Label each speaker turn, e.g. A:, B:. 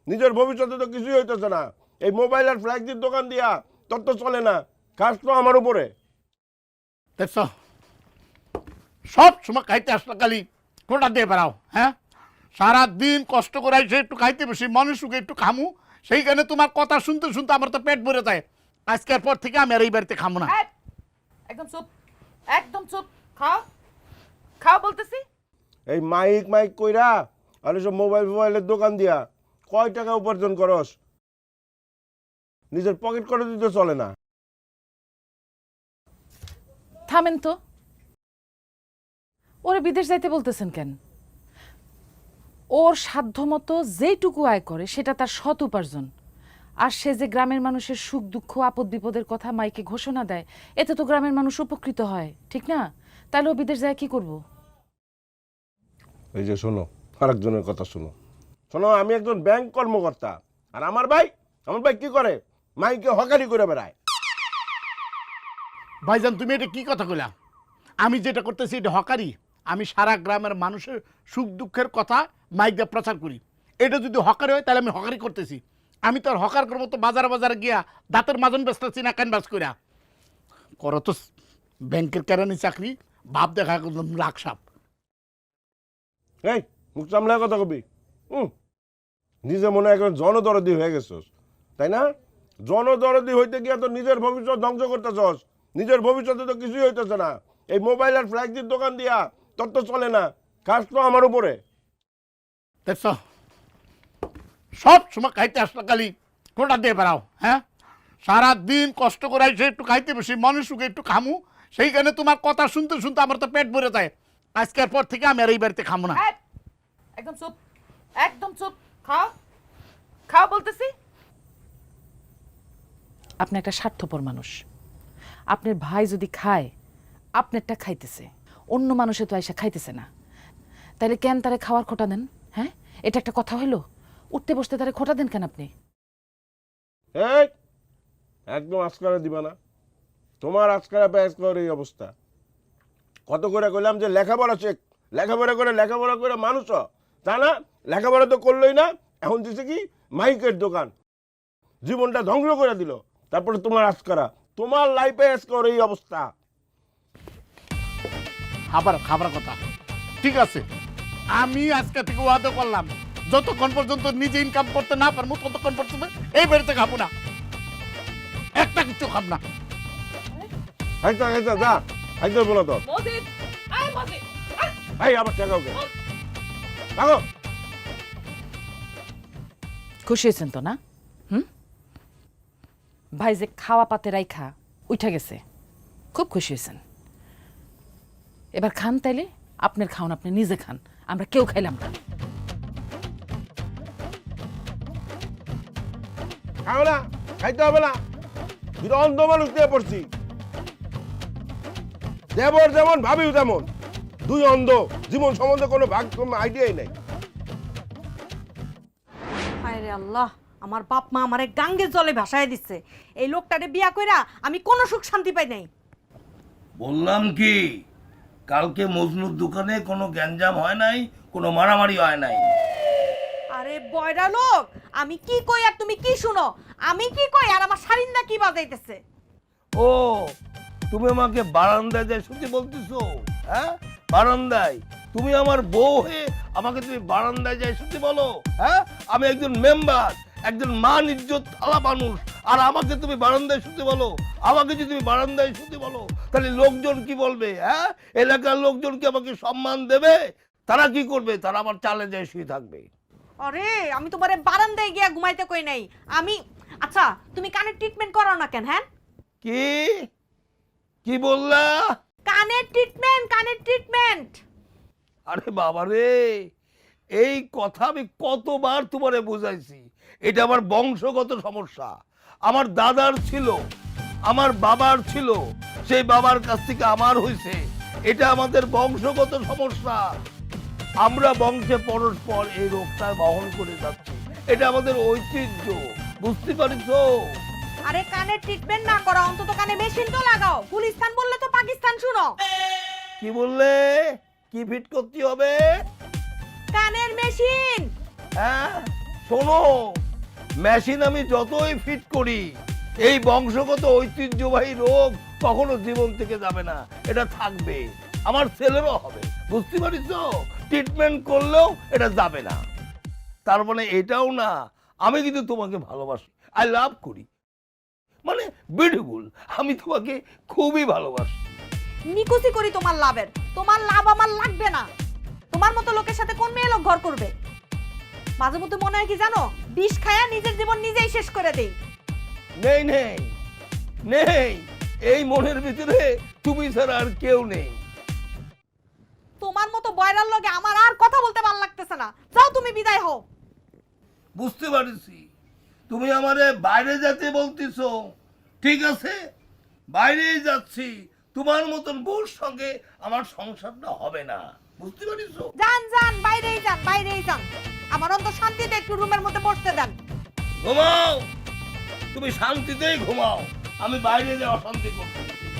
A: নিজের ভবিষ্যতে তো কিছুই হইতেছে না। এই মোবাইল আর ফ্ল্যাক্সির দোকান দিয়া তোর তো চলে না, কাজ তো আমার উপরে।
B: দেখছ সব সময় খাইতে আসলে খালি কোটা দিয়ে বেড়াও। হ্যাঁ, সারাদিন কষ্ট করে এসে একটু খাইতে বসি, মানুষকে একটু খামু, সেইখানে তোমার কথা শুনতে শুনতে আমার তো পেট ভরে যায়। আজকের পর থেকে আমি আর এই বাড়িতে খামু না।
C: একদম চুপ, একদম চুপ। খাও খাও বলতেছি।
A: এই মাইক কইরা আর এসব মোবাইলের দোকান দিয়া কয় টাকা উপার্জন করস? নিজের পকেট করে দিতে চলে না।
C: থামেন তো, ওরে বিদেশ যাইতে বলতেছেন কেন? ওর সাধ্যমতো যেইটুকু আয় করে সেটা তার সৎ উপার্জন। আর সে যে গ্রামের মানুষের সুখ দুঃখ আপদ বিপদের কথা মাইকে ঘোষণা দেয়, এতে তো গ্রামের মানুষ উপকৃত হয়, ঠিক না? তাহলে ও বিদেশ যায় কি করব?
A: এই যে শোনো, আরেকজনের কথা শোনো। শোনো, আমি একজন ব্যাংক কর্মকর্তা, আর আমার ভাই কি করে? মাইকে হকারি করে বেড়ায়।
B: ভাইজান তুমি এটা কি কথা কইলা? আমি যেটা করতেছি এটা হকারি। আমি সারা গ্রামের মানুষের সুখ দুঃখের কথা মাইক দিয়ে প্রচার করি। এটা যদি হকারি হয় তাহলে আমি হকারি করতেছি। আমি তো আর হকার করবো তো বাজারে গিয়া দাঁতের মাজন বেচতেছি না ক্যানভাস কইরা। করো তো ব্যাংকের কেরানি চাকরি, ভাব দেখা একদম লাখ সাপ।
A: এই মুখ সামলায় কথা কবি। নিজে মনে হয় একজন জনদরদি হয়ে গেছস, তাই না? জনদরদি হইতে গিয়া তো নিজের ভবিষ্যৎ ধ্বংস করতেছস। নিজের ভবিষ্যতে তো কিছুই হইতেছে না। এই মোবাইল আর ফ্ল্যাক্সির দোকান দিয়া তোর তো চলে না, কাজ তো আমার উপরে।
B: দেখছ সব সময় খাইতে আসলে খালি কোটা দিয়ে বেড়াও। হ্যাঁ, সারাদিন কষ্ট করে এসে একটু খাইতে বসি, মানুষকে একটু খামু, সেইখানে তোমার কথা শুনতে শুনতে আমার তো পেট ভরে যায়। আজকের পর থেকে আমি আর এই বাড়িতে খামু না।
C: একদম চুপ, একদম চুপ। খাও খাও বলতেছি। আপনি একটা স্বার্থপর মানুষ। আপনার ভাই যদি খায়, আপনারটা খাইতেছে, অন্য মানুষে তো আইসা খাইতেছে না, তাহলে কেন তারে খাওয়ার খোটা দেন? হ্যাঁ, এটা একটা কথা হইলো? উঠতে বসতে তারে খোটা দেন কেন আপনি?
A: এই একদম আজকারা দিবা না। তোমার আজকারা পেঁয়াজ এই অবস্থা। কত করে কইলাম যে লেখাপড়া শেখ, লেখাপড়া করে মানুষ হ। তা না, লেখাপড়া তো করলোই না, এখন দিছে কি মাইকের দোকান। জীবনটা ধ্বংস করে দিল। তারপরে তোমার আজকারা, তোমার লাইফে আজকার এই অবস্থা।
B: খাবার কথা ঠিক আছে, আমি আজকে থেকে ওয়াদা করলাম যতক্ষণ পর্যন্ত নিজে ইনকাম করতে না পারবো ততক্ষণ পর্যন্ত এই বাড়িতে খাবো না, একটা কিছু খাব না।
A: যা একদম বলো তো। ভাই আবার টাকাও কে টাকা।
C: খুশি হয়েছেন তো না? ভাই যে খাওয়া পাতে রাইখা উঠা গেছে, খুব খুশি হয়েছেন। এবার খান, তাইলে আপনার খাওন আপনি নিজে খান, আমরা কেউ খাইলাম না।
A: খাও না, খাইতে হবে না। দুটো অন্ধ মানুষ দিয়ে পড়ছি, দেবর যেমন ভাবিও তেমন। দুই অন্ধ, জীবন সম্বন্ধে কোনো ভাগ আইডিয়াই নেই।
D: হায় রে আল্লাহ, আমার বাপ মা আমারে গাঙ্গের জলে ভাসায় দিচ্ছে। এই লোকটারে বিয়া কইরা আমি কোনো সুখ শান্তি পাই নাই।
E: বললাম কি, কালকে মজনুর দোকানে কোনো গ্যাঞ্জাম হয় নাই, কোনো মারামারি হয় নাই।
D: আরে বয়রা লোক, আমি কি কই আর তুমি কি শুনো? আমি কি কই আর আমার শারিন্দা কি বাজাইতেছে?
E: ও, তুমি আমাকে বারান্দায় যায় শুনতে বলতেছো? হ্যাঁ, বারান্দায়? তুমি আমার বউ হয়ে আমাকে তুমি বারান্দায় যায় শুনতে বলো? হ্যাঁ, আমি একজন মেম্বার, একজন মান ইজ্জত আলা মানুষ, আর আমাকে তুমি বারান্দায় শুনতে বলো? আমাকে যদি তুমি বারান্দায় শুনতে বলো তাহলে লোকজন কি বলবে? হ্যাঁ, এলাকার লোকজন কি আমাকে সম্মান দেবে? তারা কি করবে? তারা আমার চালে যায় শুয়ে থাকবে।
D: আরে আমি তোমারে বারান্দায় গিয়া ঘুমাইতে কই নাই। আমি আচ্ছা, তুমি কানের ট্রিটমেন্ট করাও না কেন? হ্যাঁ,
E: কি কি বললা?
D: কানের ট্রিটমেন্ট।
E: আরে বাবা রে, এই কথা আমি কতবার তোমারে বুঝাইছি, এটা আমার বংশগত সমস্যা। আমার দাদার ছিল, আমার বাবার ছিল, সেই বাবার কাছ থেকে আমার হইছে। এটা আমাদের বংশগত সমস্যা। আমরা বংশে পরস্পর এই রোগটা বহন করে যাচ্ছি। এটা আমাদের ঐতিহ্য, বুঝতে পারিছো?
D: আরে কানের ট্রিটমেন্ট না করা, অন্তত কানে মেশিন তো লাগাও। গুলিস্তান বললে তো পাকিস্তান শুনো।
E: কি বললে? কি ফিট করতে হবে?
D: কানের মেশিন।
E: হ্যাঁ, শোনো, মেশিন আমি যতই ফিট করি, এই বংশগত ঐতিহ্যবাহী রোগ কখনো জীবন থেকে যাবে না, এটা থাকবে। আমার ছেলেরও হবে, বুঝতে পারিস? ট্রিটমেন্ট করলেও এটা যাবে না। তার মানে এটাও না, আমি কিন্তু তোমাকে ভালোবাসি, আই লাভ করি, মানে বিউটিফুল, আমি তোমাকে খুবই ভালোবাসি।
D: নিকুচি করি তোমার লাভের, তোমার লাভ আমার লাগবে না। তোমার মতো লোকের সাথে কোন মেয়ে লোক ঘর করবে? মাঝে মধ্যে মনে হয় কি জানো, বিষ খায়া নিজের জীবন নিজেই শেষ করে দেই।
E: নেই নেই নেই, এই মনের ভিতরে তুমি ছাড়া আর কেউ নেই।
D: তোমার মতো বয়রার লগে আমার আর কথা বলতে ভালো লাগতেছে না, যাও তুমি বিদায় হও।
E: বুঝতে পারছি তুমি আমারে বাইরে যেতে বলতেছো, ঠিক আছে, বাইরেই যাচ্ছি। তোমার মতন বউর সঙ্গে আমার সংসারটা হবে না, বুঝতে পারিস?
D: যান যান, বাইরেই যান, বাইরেই যান। আমার অন্তর শান্তিতে একটু রুমের মধ্যে বসতে দেন।
E: ঘুমাও, তুমি শান্তিতেই ঘুমাও, আমি বাইরে যে অশান্তি করতেছি।